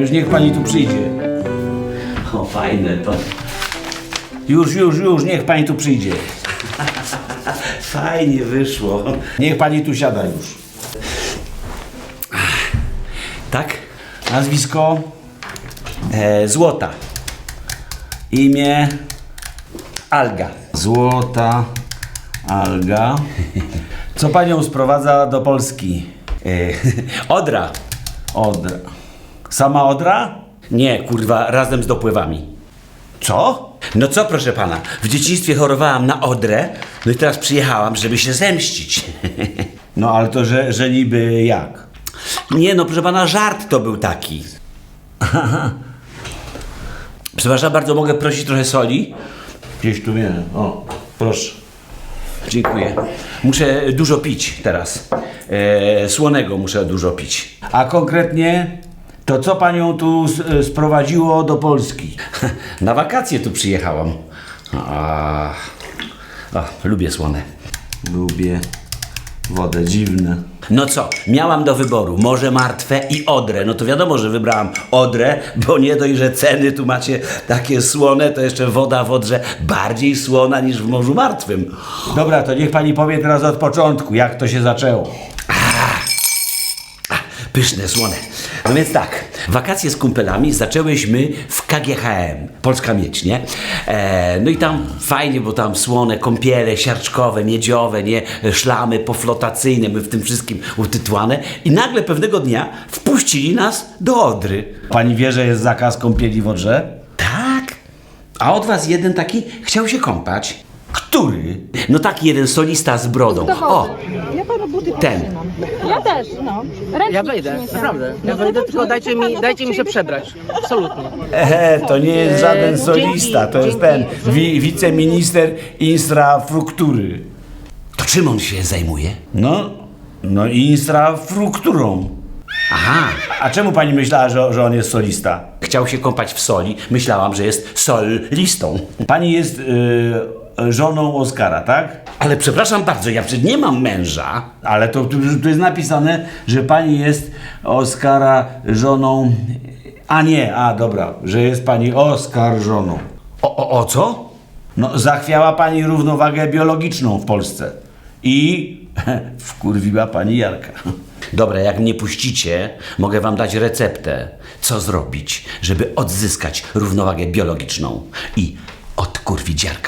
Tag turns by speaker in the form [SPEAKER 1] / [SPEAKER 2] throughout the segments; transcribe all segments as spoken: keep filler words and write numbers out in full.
[SPEAKER 1] już niech pani tu przyjdzie.
[SPEAKER 2] O, fajne to.
[SPEAKER 1] Już, już, już, niech pani tu przyjdzie.
[SPEAKER 2] Fajnie wyszło.
[SPEAKER 1] Niech pani tu siada już.
[SPEAKER 2] Tak?
[SPEAKER 1] Nazwisko?
[SPEAKER 2] E, złota. Imię Alga.
[SPEAKER 1] Złota Alga. Co panią sprowadza do Polski?
[SPEAKER 2] E, Odra.
[SPEAKER 1] Odra. Sama Odra?
[SPEAKER 2] Nie, kurwa, razem z dopływami.
[SPEAKER 1] Co?
[SPEAKER 2] No co, proszę pana, w dzieciństwie chorowałam na odrę, no i teraz przyjechałam, żeby się zemścić.
[SPEAKER 1] No ale to, że, że niby jak?
[SPEAKER 2] Nie no, proszę pana, żart to był taki. Przepraszam bardzo, mogę prosić trochę soli?
[SPEAKER 1] Gdzieś tu wiem. O, proszę.
[SPEAKER 2] Dziękuję. Muszę dużo pić teraz. E, słonego muszę dużo pić.
[SPEAKER 1] A konkretnie, to co panią tu s- sprowadziło do Polski?
[SPEAKER 2] Na wakacje tu przyjechałam. A, a, lubię słone.
[SPEAKER 1] Lubię wodę, dziwne.
[SPEAKER 2] No co, miałam do wyboru Morze Martwe i Odrę. No to wiadomo, że wybrałam Odrę, bo nie dość, że ceny tu macie takie słone, to jeszcze woda w Odrze bardziej słona niż w Morzu Martwym.
[SPEAKER 1] Dobra, to niech pani powie teraz od początku, jak to się zaczęło.
[SPEAKER 2] A, pyszne, słone. No więc tak, wakacje z kumpelami zaczęłyśmy w K G H M, Polska Miedź, nie? E, no i tam fajnie, bo tam słone kąpiele siarczkowe, miedziowe, nie? Szlamy poflotacyjne, my w tym wszystkim utytłane. I nagle pewnego dnia wpuścili nas do Odry.
[SPEAKER 1] Pani wie, że jest zakaz kąpieli w Odrze?
[SPEAKER 2] Tak? A od was jeden taki chciał się kąpać.
[SPEAKER 1] Który?
[SPEAKER 2] No taki jeden solista z brodą. O,
[SPEAKER 3] Ja panu buty
[SPEAKER 2] ten.
[SPEAKER 3] potrzymam. Ja też, no. Ręcznik
[SPEAKER 4] Ja wejdę,
[SPEAKER 3] przyniesiemy.
[SPEAKER 4] naprawdę. Ja
[SPEAKER 3] No
[SPEAKER 4] wejdę,
[SPEAKER 3] to
[SPEAKER 4] tylko
[SPEAKER 3] dobrze,
[SPEAKER 4] dajcie
[SPEAKER 3] to
[SPEAKER 4] mi,
[SPEAKER 3] pana
[SPEAKER 4] dajcie mi się
[SPEAKER 3] to
[SPEAKER 4] przebrać. Absolutnie.
[SPEAKER 1] Ehe, to nie jest żaden
[SPEAKER 4] Eee,
[SPEAKER 1] solista, to jest
[SPEAKER 4] dzięki.
[SPEAKER 1] ten wi- wiceminister infrastruktury.
[SPEAKER 2] To czym on się zajmuje?
[SPEAKER 1] No, no infrastrukturą.
[SPEAKER 2] Aha,
[SPEAKER 1] A czemu pani myślała, że, że on jest solista?
[SPEAKER 2] chciał się kąpać w soli. Myślałam, że jest solistą.
[SPEAKER 1] Pani jest y, żoną Oskara, tak?
[SPEAKER 2] Ale przepraszam bardzo, ja przecież nie mam męża.
[SPEAKER 1] Ale to tu, tu jest napisane, że pani jest Oskara żoną... A nie, a dobra, że jest pani Oskar żoną.
[SPEAKER 2] O, o, o co?
[SPEAKER 1] No, zachwiała pani równowagę biologiczną w Polsce. I wkurwiła pani Jarka.
[SPEAKER 2] Dobra, jak mnie puścicie, mogę wam dać receptę, co zrobić, żeby odzyskać równowagę biologiczną i odkurwić Jarka.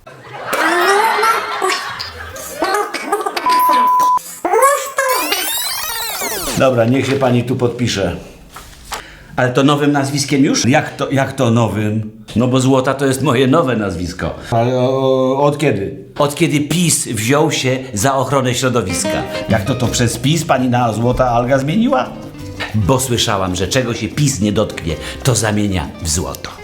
[SPEAKER 1] Dobra, niech się pani tu podpisze.
[SPEAKER 2] Ale to nowym nazwiskiem już?
[SPEAKER 1] Jak to, jak to nowym?
[SPEAKER 2] No bo Złota to jest moje nowe nazwisko.
[SPEAKER 1] Ale o, od kiedy?
[SPEAKER 2] Od kiedy PiS wziął się za ochronę środowiska.
[SPEAKER 1] Jak to to przez PiS pani na Złota Alga zmieniła?
[SPEAKER 2] Bo słyszałam, że czego się PiS nie dotknie, to zamienia w złoto.